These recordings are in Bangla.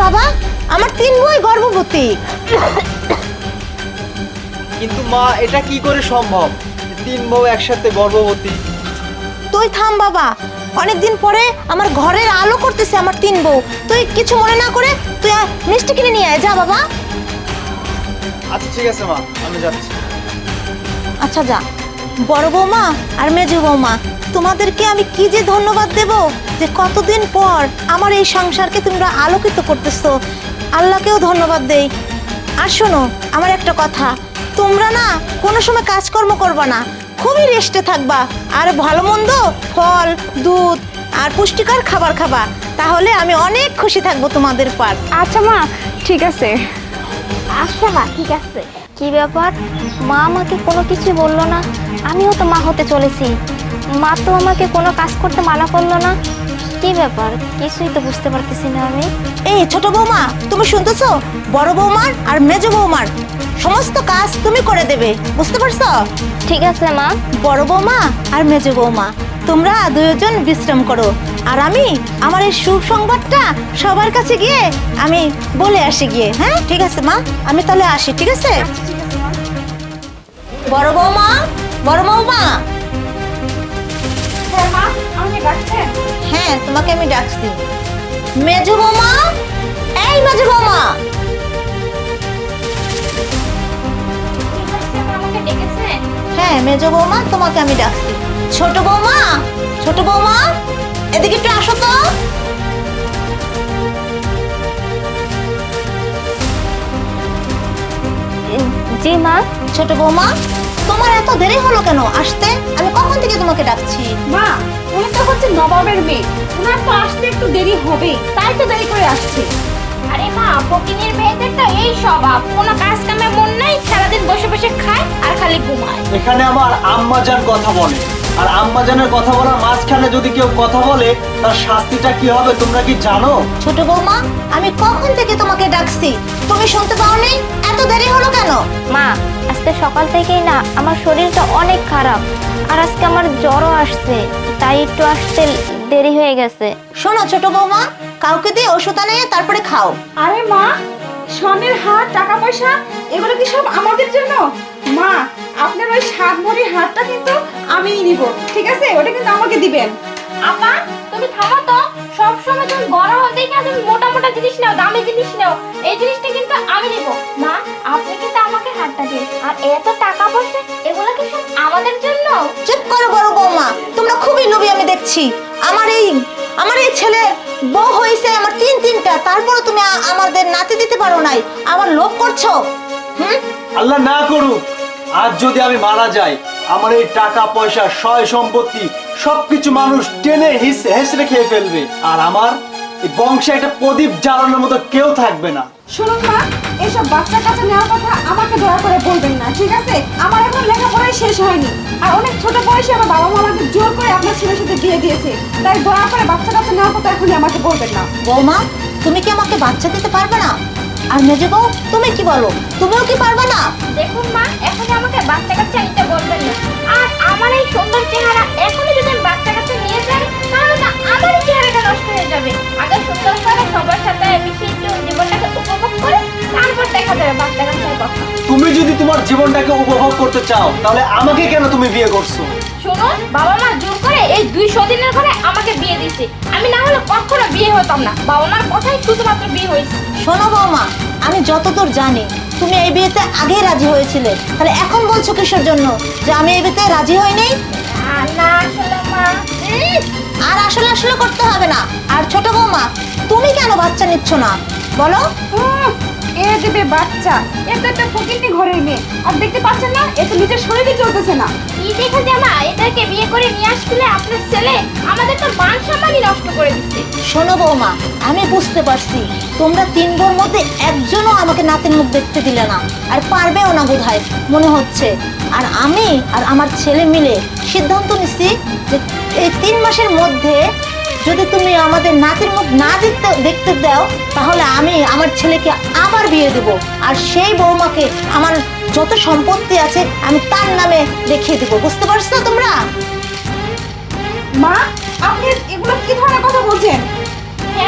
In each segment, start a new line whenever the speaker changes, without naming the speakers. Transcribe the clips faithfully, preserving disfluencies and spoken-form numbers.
বাবা, আমার তিন বই গর্ভবতী।
কিন্তু মা, এটা কি করে সম্ভব? তিন বউ একসাথে গর্ভবতী?
তুই থাম বাবা, অনেকদিন পরে আমার ঘরের আলো করতেছে আমার তিন বউ। তুই কিছু মনে না করে তুই আ- মিষ্টি কিনে নিয়ে আয়, যা বাবা।
আচ্ছা ঠিক আছে মা, আমি যাচ্ছি।
আচ্ছা যা। বড় বৌমা আর মেজো বৌমা, তোমাদেরকে আমি কি যে ধন্যবাদ দেব যে কতদিন পর আমার এই সংসারকে তোমরা আলোকিত করতেছো। আল্লাহকেও ধন্যবাদ দেই। আর শোনো আমার একটা কথা, তোমরা না কোনো সময় কাজকর্ম করবা না, খুবই রেস্টে থাকবা, আর ভালো মন্দ ফল দুধ আর পুষ্টিকর খাবার খাবা, তাহলে আমি অনেক খুশি থাকবো তোমাদের পার।
আচ্ছা মা, ঠিক আছে।
আচ্ছা মা, ঠিক আছে। কি ব্যাপার, মা আমাকে কোনো কিছু বললো না? আমিও তো মা হতে চলেছি, মা তো আমাকে কোনো কাজ করতে মানা করলো না। কি ব্যাপার, কিছুই তো বুঝতে পারতেছি না আমি।
এই ছোট বৌমা, তুমি শুনতেছো? বড় বৌমার আর মেজো বৌমার সমস্ত কাজ তুমি করে দেবে, বুঝতে পারছো?
ঠিক আছে মা।
বড় বৌমা আর মেজো বৌমা, তোমরা দুজন বিশ্রাম করো, আর আমি আমার এই সুসংবাদটা সবার কাছে গিয়ে আমি বলে আসি গিয়ে। হ্যাঁ ঠিক আছে মা, আমি তাহলে আসি, ঠিক আছে? বড় বৌমা, বড় বৌমা।
হ্যাঁ মা, আমাকে ডাকছেন?
হ্যাঁ, তোমাকে আমি ডাকছি। মেজো বৌমা, এই মেজো বৌমা।
আমাকে ডেকেছেন?
হ্যাঁ মেজো বৌমা, তোমাকে আমি ডাকছি। ছোট বৌমা, ছোট বৌমা, এদিকে একটু আসো তো।
জি মা।
ছোট বৌমা, তোমার এত দেরি হলো কেন আসতে? আমি কখন থেকে তোমাকে ডাকছি।
মা, উনি তো হচ্ছে নবাবের মেয়ে, উনার তো আসতে একটু দেরি হবে, তাই তো দেরি করে আসছে।
আরে মা, ফকিনের মেয়েদের তো এই স্বভাব, কোনো কাজ কামে মন নাই, সারাদিন বসে বসে খায় আর খালি ঘুমায়।
এখানে আমার আম্মাজান কথা বলে, আর আম্মাজানের কথা বলার মাঝখানে যদি কেউ কথা বলে তার শাস্তিটা কি হবে তোমরা কি জানো?
ছোট বৌমা, আমি কখন থেকে তোমাকে ডাকছি, তুমি শুনতে পাওনি? এত দেরি হলো কেন?
মা, আজকে সকাল থেকেই না আমার শরীরটা অনেক খারাপ, আর আজকে আমার জ্বরও আসছে, তাই একটু আসতে দেরি হয়ে গেছে।
শোনো ছোট বৌমা, কাউকে দিয়ে ওষুধ আনিয়ে তারপরে খাও।
আরে মা, স্বর্ণের হার, টাকা পয়সা, এগুলো কি সব আমাদের জন্য? মা, আপনার ওই সাত ভরি হারটা কিন্তু আমিই নিব, ঠিক আছে? ওটা কিন্তু আমাকে দিবেন।
আপা, তুমি থামো তো। সব সময় তুমি বড় হতে গিয়ে তুমি মোটা মোটা জিনিস নাও, দামি জিনিস নাও, এই জিনিসটা কিন্তু আমি নিব। মা, আপনি কিন্তু আমাকে হাতটা দিন, আর এত টাকা পয়সা এগুলো কি সব আমাদের জন্য?
চুপ করো বড় বৌমা, তোমরা খুবই লোভী আমি দেখছি। আমার এই আমার এই ছেলে বউ হয়েছে আমার তিন তিনটা, তারপরে তুমি আ- আমাদের নাতি দিতে পারো নাই, আবার লোভ করছো। হুম,
আল্লাহ না করুক, আজ যদি আমি মারা যাই, আমার এই টাকা পয়সা সয় সম্পত্তি সবকিছু মানুষ টেনে হিস হেসড়ে খেয়ে ফেলবে, আর আমার এই বংশে একটা প্রদীপ জ্বালানোর মতো কেউ থাকবে না।
শুনুন মা, এইসব বাচ্চার কাছে নেওয়ার কথা আমাকে দয়া করে বলবেন না, ঠিক আছে? আমার এখন লেখাপড়াই শেষ হয়নি, আর অনেক ছোট বয়সে আমার বাবা মা আমাকে জোর করে আপনার ছেলের সাথে বিয়ে দিয়েছে, তাই দয়া করে বাচ্চা কাছে নেওয়ার কথা এখনই আমাকে বলবেন না।
বৌমা, তুমি কি আমাকে বাচ্চা দিতে পারবে না? আর মেজো বউ, তুমি কি বলো, তুমিও কি পারবে না?
দেখুন মা, এখন আমাকে বাচ্চা কাচ্চা নিতে বলবেন না, আর আমার এই সুন্দর চেহারা এখনই যদি আমি বাচ্চা কাচ্চা নিয়ে যাই, তাহলে তো আমারই চেহারাটা নষ্ট হয়ে যাবে। আগে সুন্দর করে সবার সাথে মিশে একটু জীবনটাকে উপভোগ করে তারপর দেখা যাবে বাচ্চা কাচ্চার কথা।
তুমি যদি তোমার জীবনটাকে উপভোগ করতে চাও, তাহলে আমাকে কেন তুমি বিয়ে করছো?
শুনুন, বাবা মা জোর করে এই দুইশো দিনের ঘরে আমাকে বিয়ে দিছে, আমি না হলে কখনো বিয়ে হতাম না, বাবা মার কথাই শুধুমাত্র বিয়ে হয়েছে।
শোনো বৌমা, আমি যতদূর জানি তুমি এই বিয়েতে আগেই রাজি হয়েছিলে, তাহলে এখন বলছো কিসের জন্য যে আমি এই বিয়েতে রাজি হইনি?
আর না আসলে মা, উম,
আর আসলে আসলে করতে হবে না। আর ছোট বৌমা, তুমি কেন বাচ্চা নিচ্ছ না বলো?
উম, এ দেবে বাচ্চা, এ তো একটা ফকিন্নি ঘরের মেয়ে, আর দেখতে পাচ্ছেন না, এ তো নিজের শরীরে চলতেছে না।
কি দেখে জামা, এটাকে বিয়ে করে নিয়ে আসলে আপনার ছেলে আমাদের তো মান সম্মানই নষ্ট করে দিচ্ছে।
শোনো বৌমা, আমি বুঝতে পারছি তোমরা তিন বোর মধ্যে একজনও আমাকে নাতির মুখ দেখতে দিলে না, আর পারবেও না বোধহয় মনে হচ্ছে। আর আমি আর আমার ছেলে মিলে সিদ্ধান্ত নিচ্ছি যে এই তিন মাসের মধ্যে যদি তুমি আমাদের নাতির মুখ না দেখতে দেখতে দাও, তাহলে আমি আমার ছেলেকে আবার বিয়ে দেব, আর সেই বৌমাকে আমার যত সম্পত্তি আছে আমি তার নামে দেখিয়ে দেবো, বুঝতে পারছো তোমরা?
মা, আপনি এগুলো কি ধরনের কথা বলছেন?
হ্যাঁ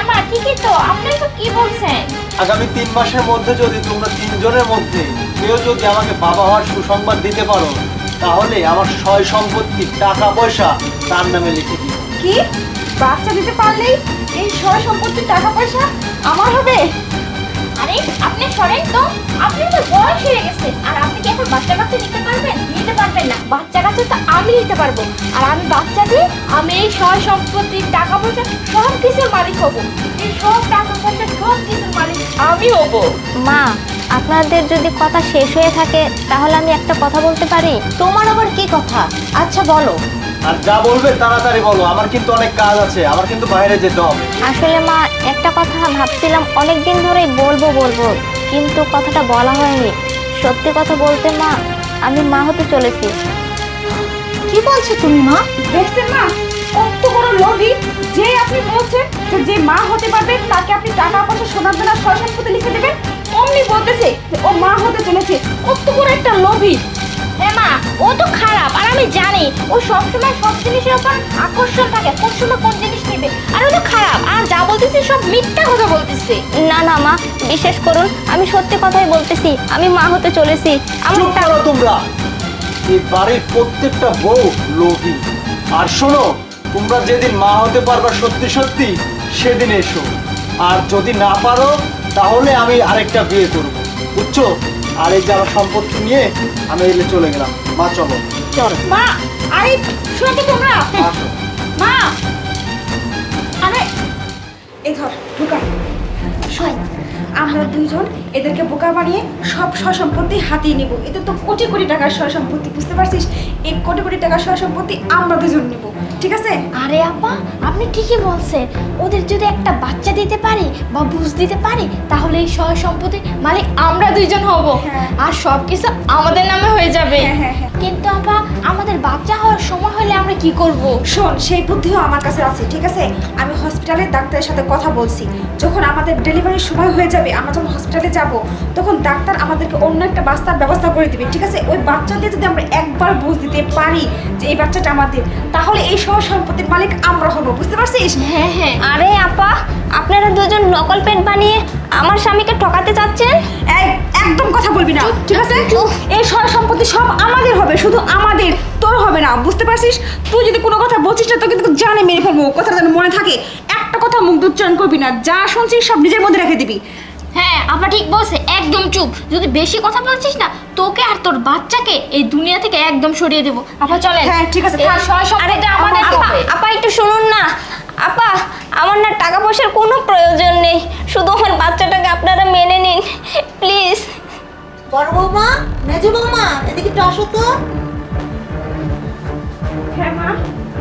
মা ঠিকই তো, আপনি তো কি বলছেন?
আগামী তিন মাসের মধ্যে যদি তোমরা তিনজনের মধ্যে কেউ যদি আমাকে বাবা হওয়ার সুসংবাদ দিতে পারো, তাহলে আমার সয় সম্পত্তি টাকা পয়সা তার নামে লিখে দিও।
কি বাচ্চা দিতে পারলেই এই সয় সম্পত্তির টাকা পয়সা আমার হবে?
আরে আপনি সরেন তো, আপনি তো বয়স হয়ে গেছে, আর আপনি কি এখন বাচ্চা কাচ্চা নিতে পারবেন? নিতে পারবেন না। বাচ্চা কাচ্চা তো আমি নিতে পারবো, আর আমি বাচ্চা দিয়ে আমি এই সয় সম্পত্তির টাকা পয়সা সব কিছুর মালিক হব। এই সব টাকা পয়সা সব কিছুর মালিক আমি হব।
মা, আপনাদের যদি কথা শেষ হয়ে থাকে তাহলে আমি একটা কথা বলতে পারি?
তোমার আবার কি কথা? আচ্ছা বলো।
আর যা বলবে তাড়াতাড়ি বলো, আমার কিন্তু অনেক কাজ আছে, আমার কিন্তু বাইরে যেতে হবে।
আসলে মা, একটা কথা ভাবছিলাম অনেক দিন ধরেই বলবো বলবো, কিন্তু কথাটা বলা হয়নি। সত্যি কথা বলতে মা, আমি মা হতে চলেছি।
কি বলছো তুমি মা?
দেখছেন মা কত বড় লোভী, যে আপনি বলছেন যে যে মা হতে পারবে তাকে আপনি টাকা পয়সা সোনার দানা সয় সম্পত্তি লিখে দেবেন, অমনি বলতেছে যে ও মা হতে চলেছে। কত বড় একটা লোভী।
হ্যাঁ মা, ও তো খারাপ, আর আমি জানি ও সবসময় সব জিনিসের উপর আকর্ষণ থাকে, কোন সময় কোন জিনিস নেবে। আর ও তো খারাপ, আর যা বলতেছে সব মিথ্যা কথা বলতেছে।
না না মা, বিশ্বাস করুন, আমি সত্যি কথাই বলতেছি, আমি মা হতে চলেছি। আমার
চুপ করো তোমরা। এই বাড়ির প্রত্যেকটা বউ লোভী। আর শোনো, তোমরা যেদিন মা হতে পারবা সত্যি সত্যি, সেদিন এসো। আর যদি না পারো তাহলে আমি আরেকটা বিয়ে করব, বুঝছো? আর এই যে আমার সম্পত্তি নিয়ে আমি এলে চলে গেলাম। মা চলো।
চল।
মা আরে শোনো তো তোমরা।
আসো।
মা আরে এই ধর বোকা, শোন আমরা দুইজন এদেরকে বোকা বানিয়ে সব সয় সম্পত্তি হাতিয়ে নেব। এদের তো কোটি কোটি টাকার সয় সম্পত্তি, বুঝতে পারছিস? এই কোটি কোটি টাকার সয় সম্পত্তি আমরা দুজন নেব, ঠিক আছে?
আরে আপা, আপনি ঠিকই বলছেন। ওদের যদি একটা বাচ্চা দিতে পারি বা বুঝ দিতে পারি, তাহলে এই সয় সম্পত্তি মালিক আমরা দুইজন হব,
হ্যাঁ।
আর সব কিছু আমাদের নামে হয়ে যাবে।
হ্যাঁ, হ্যাঁ, হ্যাঁ।
কিন্তু আপা, আমাদের বাচ্চা হওয়ার সময় হলে আমরা কি করব?
শোন, সেই বুদ্ধিও আমার কাছে আছে, ঠিক আছে? আমি হসপিটালের ডাক্তারের সাথে কথা বলছি। যখন আমাদের ডেলিভারির সময় হয়ে যাবে, আমরা যখন হসপিটালে যাব, তখন ডাক্তার আমাদেরকে অন্য একটা বাচ্চার ব্যবস্থা করে দিবে, ঠিক আছে? ওই বাচ্চা দিয়ে যদি আমরা একবার বুঝ দিতে পারি যে এই বাচ্চাটা আমাদের, তাহলে এই সহ সম্পত্তির মালিক আমরা হব, বুঝতে পারছিস?
হ্যাঁ হ্যাঁ।
আরে আপা, আপনারা দুজন নকল পেট বানিয়ে আমার স্বামীকে ঠকাতে চাচ্ছেন?
এই একদম কথা বলবি না, ঠিক আছে? এই সয় সম্পত্তি সব আমাদের হবে, শুধু আমাদের, তোর হবে না, বুঝতে পারছিস? তুই যদি কোনো কথা বলছিস না, তো কিন্তু জানে মেরে ফেলবো, কথাটা যেন মনে থাকে। একটা কথা মুখ দিয়ে উচ্চারণ করবি না, যা শুনছিস সব নিজের মধ্যে রেখে দিবি।
হ্যাঁ, আপা ঠিক বলছে, একদম চুপ। যদি বেশি কথা বলছিস না, তোকে আর তোর বাচ্চাকে এই দুনিয়া থেকে একদম সরিয়ে দেবো। আপা চলেন।
হ্যাঁ, ঠিক আছে,
এই
থাক।
সয় সম্পত্তি আমাদের
আপা,
হবে।
আপা একটু শুনুন না। আপা, আমার না টাকা পয়সার কোনো প্রয়োজন নেই, শুধু আমার বাচ্চাটাকে আপনারা মেনে নিন প্লিজ।
বড় বৌমা, মেজো বৌমা, এদিকে একটু আসো তো।
হ্যাঁ মা।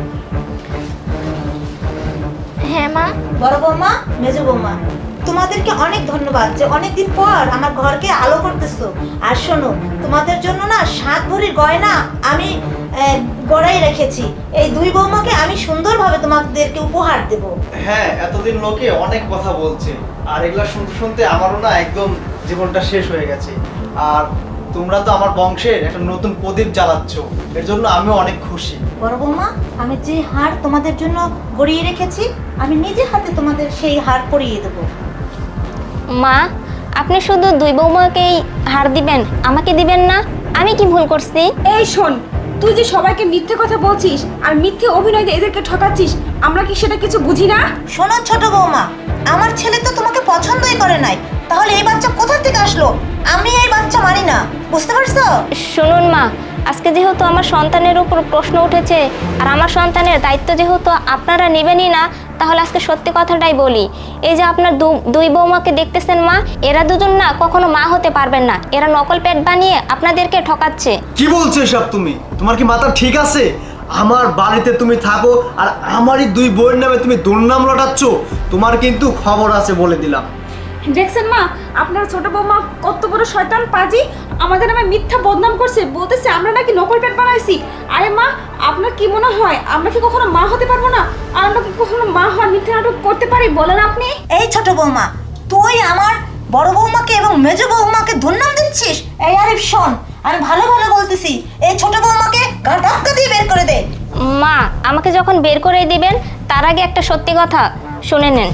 হ্যাঁ মা।
বড় বৌমা, মেজো বৌমা, তোমাদেরকে অনেক ধন্যবাদ যে অনেকদিন পর আমার ঘরকে আলো করতেছো। আর শোনো, তোমাদের জন্য না সাত ভরির গয়না আমি আহ, গড়াই রেখেছি। এই দুই বৌমাকে আমি সুন্দরভাবে তোমাদেরকে উপহার দেব।
হ্যাঁ, এতদিন লোকে অনেক কথা বলছে, আর এগুলা শুনতে শুনতে আমারও না একদম জীবনটা শেষ হয়ে গেছে। আর তোমরা তো আমার বংশের একটা নতুন প্রদীপ জ্বালাচ্ছ, এর জন্য আমিও অনেক খুশি।
বড় বৌমা, আমি যে হার তোমাদের জন্য গড়িয়ে রেখেছি, আমি নিজে হাতে তোমাদের সেই হার পরিয়ে দেবো।
মা, আপনি শুধু দুই বৌমাকেই হার দিবেন, আমাকে দিবেন না? আমি কি ভুল করছি?
এই শোন, তুই যে সবাইকে মিথ্যে কথা বলছিস আর মিথ্যে অভিনয় দিয়ে এদেরকে ঠকাচ্ছিস, আমরা কি সেটা কিছু বুঝি না?
শোনো ছোট বৌমা, আমার ছেলে তো তোমাকে পছন্দই করে নাই, তাহলে এই বাচ্চা কোথা থেকে আসলো? আমি এই বাচ্চা মানি না, বুঝতে পারছো?
শুনুন মা, আজকে যেহেতু আমার সন্তানের উপর প্রশ্ন উঠেছে, আর আমার সন্তানের দায়িত্ব যেহেতু আপনারা নেবেনই না, তাহলে আজকে সত্যি কথাটাই বলি। এই যে আপনার দু- দুই বৌমাকে দেখতেছেন মা, এরা দুজন না কখনো মা হতে পারবেন না, এরা নকল পেট বানিয়ে আপনাদেরকে ঠকাচ্ছে।
কি বলছো এসব তুমি? তোমার কি মাথা ঠিক আছে? আমার বাড়িতে তুমি থাকো আর আমারই দুই বইয়ের নামে তুমি দুর্নাম লটাচ্ছ, তোমার কিন্তু খবর আছে বলে দিলাম।
দেখছেন মা, আপনার ছোট বৌমা কত বড় শয়তান পাজি, আমাদের নামে মিথ্যা বদনাম করছে, বলতেছে আমরা নাকি নকল পেট বানাইছি। আরে মা, আপনার কি মনে হয় আমরা কি কখনো মা হতে পারবো না? আর আমরা কি কখনো মা হওয়ার মিথ্যা নাটক করতে পারি বলেন আপনি?
এই ছোট বৌমা, তুই আমার বড় বৌমাকে এবং মেজো বৌমাকে দুর্নাম দিচ্ছিস? এই আরিফ শোন, আমি ভালো ভালো বলতেছি, এই ছোট বৌমাকে গা ধাক্কা দিয়ে বের করে দে।
মা, আমাকে যখন বের করে দিবেন তার আগে একটা সত্যি কথা শুনে নেন।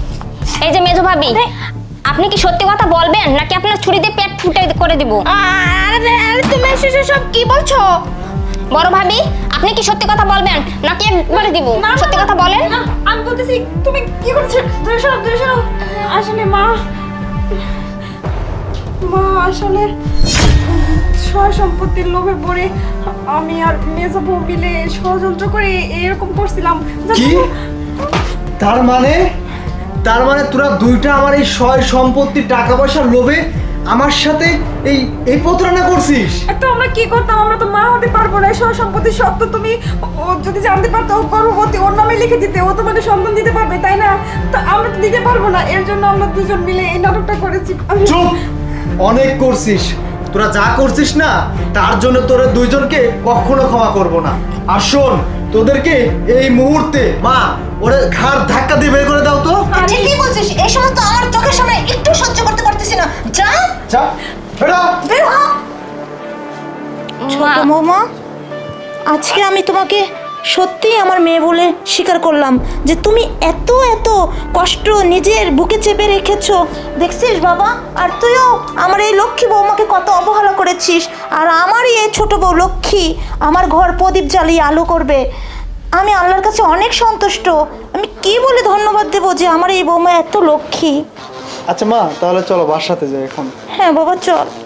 এই যে মেজো ভাবি, আপনি কি সত্যি কথা বলবেন নাকি আপনার ছুরি দিয়ে পেট ফুটে করে দিব?
আরে আরে তুমি এসে সব কি বলছো?
বড় ভাবি, আপনি কি সত্যি কথা বলবেন নাকি একবারে দিব? সত্যি কথা বলেন।
না, আমি বলতেছি তুমি কি করছো? দূরে সরো, দূরে সরো। আসলে মা মা আসলে সয় সম্পত্তির লোভে পড়ে আমি আর মেজো বউ মিলে ষড়যন্ত্র করে এরকম করছিলাম।
কি? তার মানে তার মানে তোরা দুইটা আমার এই সয় সম্পত্তি টাকা পয়সার লোভে আমার সাথে এই এই প্রতারণা করছিস?
তো আমরা কি করতাম? আমরা তো মা হতে পারবো না। সয় সম্পত্তি সব তো তুমি, ও যদি জানতে পারতো ও গর্ভবতী, ওর নামে লিখে দিতে, ও তোমাকে সন্তান দিতে পারবে, তাই না? তো আমরা তো দিতে পারবো না, এর জন্য আমরা দুজন মিলে এই নাটকটা করেছি। আমি-
চুপ! অনেক করছিস তোরা, যা করছিস না তার জন্য তোরা দুইজনকে কখনো ক্ষমা করব না। আর শোন, তোদেরকে এই মুহূর্তে মা ওরে ঘাড় ধাক্কা দিয়ে বের করে দাও তো।
ঠিকই বলছিস, এই সমস্ত আমার চোখের সামনে একটু সহ্য করতে পারতেছি না। যা
যা বেরো।
বের হ। ছোট বৌমা, আজকে আমি তোমাকে সত্যিই আমার মেয়ে বলে স্বীকার করলাম যে তুমি এত এত কষ্ট নিজের বুকে চেপে রেখেছো। দেখছিস বাবা, আর তুইও আমার এই লক্ষ্মী বৌমাকে কত অবহেলা করেছিস, আর আমারই এই ছোট বউ লক্ষ্মী আমার ঘর প্রদীপ জ্বালিয়ে আলো করবে। আমি আল্লাহর কাছে অনেক সন্তুষ্ট। আমি কি বলে ধন্যবাদ দেবো যে আমার এই বৌমা এত লক্ষ্মী।
আচ্ছা মা, তাহলে চলো বাসাতে যাই এখন।
হ্যাঁ বাবা, চল।